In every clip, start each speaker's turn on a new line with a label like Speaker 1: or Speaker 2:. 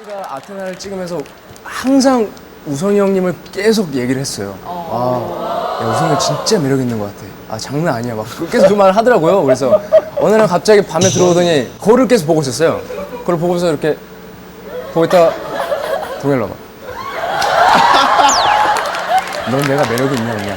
Speaker 1: 씨가 아테나를 찍으면서 항상 우성이 형님을 계속 얘기를 했어요. 야, 우성이 형 진짜 매력 있는 것 같아. 아, 장난 아니야. 막 계속 그 말을 하더라고요. 그래서 어느 날 갑자기 밤에 들어오더니 거울을 계속 보고 있었어요. 그걸 보고서 이렇게 보고 있다가 동현아 봐. 넌 내가 매력이 있냐 없냐.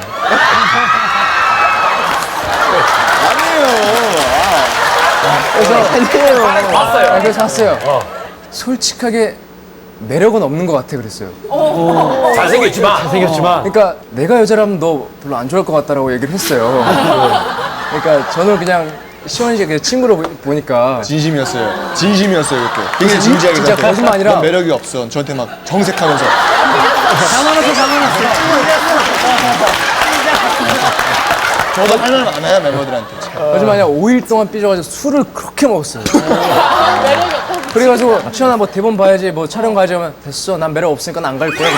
Speaker 1: 그래서
Speaker 2: 봤어요.
Speaker 1: 그래서 샀어요. 솔직하게 매력은 없는 것 같아 그랬어요.
Speaker 2: 잘생겼지만.
Speaker 1: 그러니까 내가 여자라면 너 별로 안 좋아할 것 같다라고 얘기를 했어요. 그러니까 저는 그냥 시원이 그냥 친구로 보니까
Speaker 3: 진심이었어요. 진심이었어요, 그때. 굉장히 진지하게.
Speaker 1: 진짜
Speaker 3: 생각해요.
Speaker 1: 거짓말 아니라
Speaker 3: 넌 매력이 없어. 저한테 막 정색하면서. 저도 할 말 많아요, 멤버들한테.
Speaker 1: 거짓말 아니라 5일 동안 삐져가지고 술을 그렇게 먹었어요. 그래가지고 시원아 뭐 대본 봐야지 뭐 촬영 가야지 하면 됐어 난 매력 없으니까 안 갈 거야.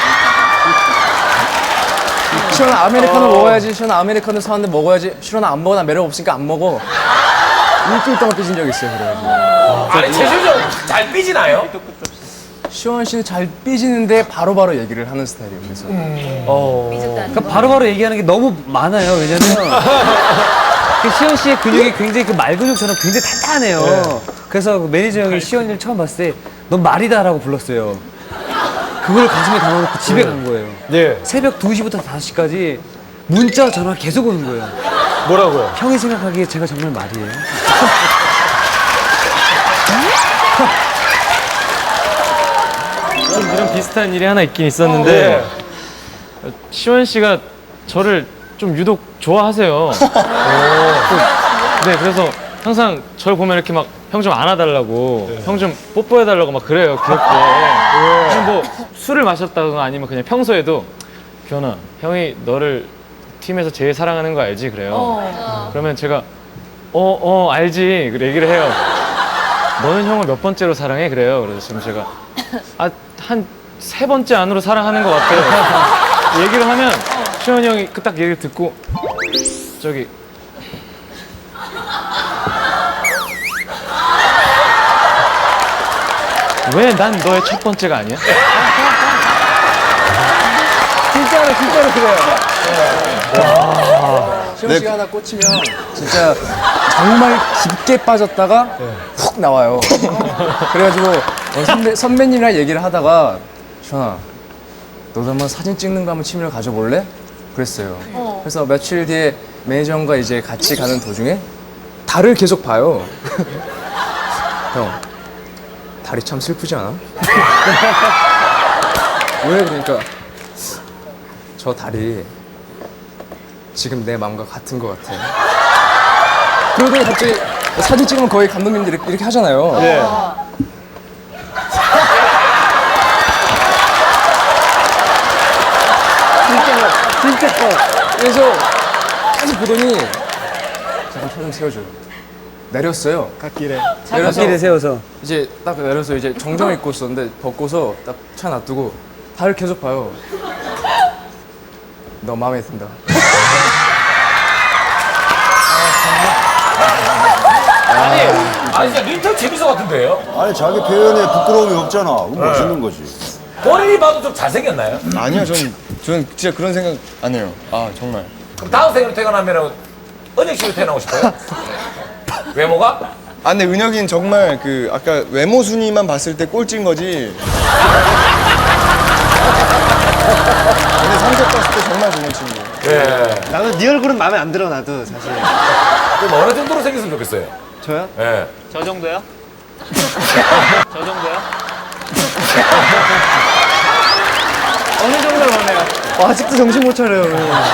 Speaker 1: 시원아 아메리카노 먹어야지. 시원아 아메리카노 사왔는데 먹어야지. 시원아 안 먹어 난 매력 없으니까 안 먹어. 일주일 동안 삐진 적 있어요. 그래가지고
Speaker 2: 아니, 최준영 잘 삐지나요?
Speaker 1: 시원 씨는 잘 삐지는데 바로바로 얘기를 하는 스타일이에요. 그래서
Speaker 4: 그러니까 바로바로 얘기하는 게 너무 많아요. 왜냐면 그 시원 씨의 근육이 굉장히 그 말근육처럼 굉장히 탄탄해요. 그래서 그 매니저 형이 시원이를 처음 봤을 때 넌 말이다라고 불렀어요. 그걸 가슴에 담아놓고 집에 간 거예요. 새벽 2시부터 5시까지 문자 전화 계속 오는 거예요.
Speaker 5: 뭐라고요?
Speaker 4: 형이 생각하기에 제가 정말 말이에요.
Speaker 6: 좀 이런 비슷한 일이 하나 있긴 있었는데 시원 씨가 저를 좀 유독 좋아하세요. 네, 그래서 항상 저를 보면 이렇게 막 형 좀 안아달라고, 형 좀 뽀뽀해달라고 막 그래요, 귀엽게. 그냥 뭐 술을 마셨다거나 아니면 그냥 평소에도 규현아, 형이 너를 팀에서 제일 사랑하는 거 알지? 그래요. 그러면 제가 알지. 그 얘기를 해요. 너는 형을 몇 번째로 사랑해? 그래요. 그래서 지금 제가 한 3번째 안으로 사랑하는 것 같아요. 얘기를 하면 시원이 형이 딱 얘기를 듣고 저기 왜 난 너의 첫 번째가 아니야?
Speaker 1: 진짜로 그래요. 시원 씨가 하나 꽂히면 진짜 정말 깊게 빠졌다가 훅 나와요. 그래가지고 선배님이랑 얘기를 하다가 시원아 너도 한번 사진 찍는 거 한번 취미를 가져볼래? 그랬어요. 그래서 며칠 뒤에 매니저 형과 이제 같이 가는 도중에 달을 계속 봐요. 형 달이 참 슬프지 않아? 왜 그러니까 저 달이 지금 내 마음과 같은 것 같아. 그러더니 갑자기 사진 찍으면 거의 감독님들이 이렇게 하잖아요. 진짜. 그래서 계속 보더니 잠깐 차 좀 세워줘요. 내렸어요.
Speaker 3: 갓길에.
Speaker 1: 내려서
Speaker 4: 길에 세워서.
Speaker 1: 이제 딱 내려서 이제 정장 입고 있었는데 벗고서 딱 차 놔두고 달을 계속 봐요. 너 마음에 든다.
Speaker 2: 아니, 진짜 린턴 재밌어 같은데요?
Speaker 7: 아니 자기 표현에 부끄러움이 없잖아. 그럼 멋있는 거지.
Speaker 2: 본인이 봐도 좀 잘생겼나요?
Speaker 3: 아니요, 저는 진짜 그런 생각 안 해요. 아, 정말.
Speaker 2: 그럼 다음 생으로 태어나면 은혁 씨로 태어나고 싶어요? 외모가?
Speaker 3: 아, 근데 은혁이는 정말 그 아까 외모 순위만 봤을 때 꼴찌인 거지. 근데 성격 봤을 때 정말 좋은 친구.
Speaker 2: 예.
Speaker 5: 나는 네 얼굴은 마음에 안 들어, 나도 사실.
Speaker 2: 그럼 어느 정도로 생겼으면 좋겠어요?
Speaker 5: 저요?
Speaker 2: 예.
Speaker 5: 저 정도요? 저 정도요?
Speaker 4: 어느 정도로 보네요.
Speaker 5: 아직도 정신 못 차려요.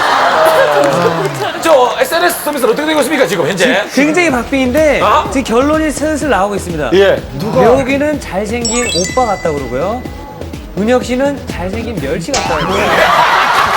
Speaker 2: 저 SNS 서비스는 어떻게 되고 있습니까, 지금 현재?
Speaker 4: 굉장히 박빙인데
Speaker 2: 아?
Speaker 4: 지금 결론이 슬슬 나오고 있습니다.
Speaker 5: 예.
Speaker 4: 여기는 잘생긴 오빠 같다고 그러고요. 은혁 씨는 잘생긴 멸치 같다고 그러고요.